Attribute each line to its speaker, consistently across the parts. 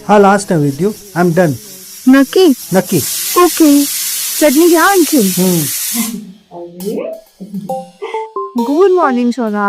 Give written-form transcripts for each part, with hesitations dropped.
Speaker 1: हा लास्ट आहे with you. I am done.
Speaker 2: नक्की.
Speaker 1: नक्की.
Speaker 2: ओके, चटणी घ्या आणखी. गुड मॉर्निंग सोना.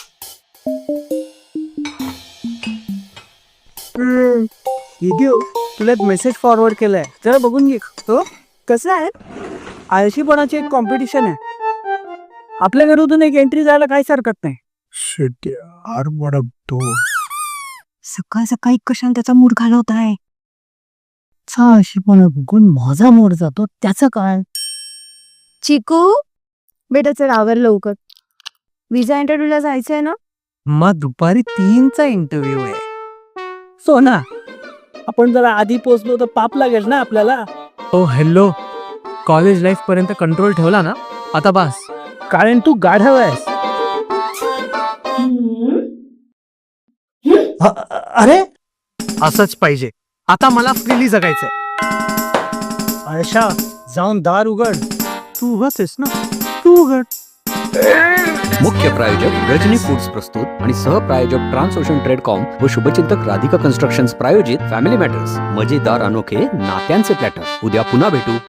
Speaker 1: इडिओ, तुला एक मेसेज फॉरवर्ड केलाय, जरा बघून घे. तो
Speaker 2: कसं आहे?
Speaker 1: आळशीपणाची एक कॉम्पिटिशन आहे. आपल्या घरातून एक एंट्री जायला काहीच हरकत नाही. शिट यार, व्हॉट अ डोर.
Speaker 2: सकाळ सकाळी कशाने त्याचा मूड घालवत आहे?
Speaker 1: आळशीपणा बघून माझा मूड जातो, त्याचं काय?
Speaker 2: चिकू बेटा चल आवर लवकर. विजा इंटरव्ह्यूला जायचंय ना?
Speaker 1: मग दुपारी 3चा इंटरव्ह्यू आहे. सोना, आपण जरा आधी पोहोचलो तर पाप लागेल ना आपल्याला.
Speaker 3: ओ हॅलो, कॉलेज लाईफ पर्यंत कंट्रोल ठेवला ना, आता बस.
Speaker 1: कारण तू गाढव आहेस. अरे
Speaker 3: असंच पाहिजे. आता मला फ्रीली जगायचंय.
Speaker 1: आयशा, जाऊन दार उघड. तू उगाच आहेस ना, तू उघड.
Speaker 4: मुख्य प्रायोजक रजनी फूड्स प्रस्तुत आणि सहप्रायोजक ट्रान्सओशन ट्रेडकॉम व शुभचिंतक राधिका कन्स्ट्रक्शन्स प्रायोजित फॅमिली मॅटर्स, मजेदार अनोखे नात्यांचे प्लॅटर. उद्या पुन्हा भेटू.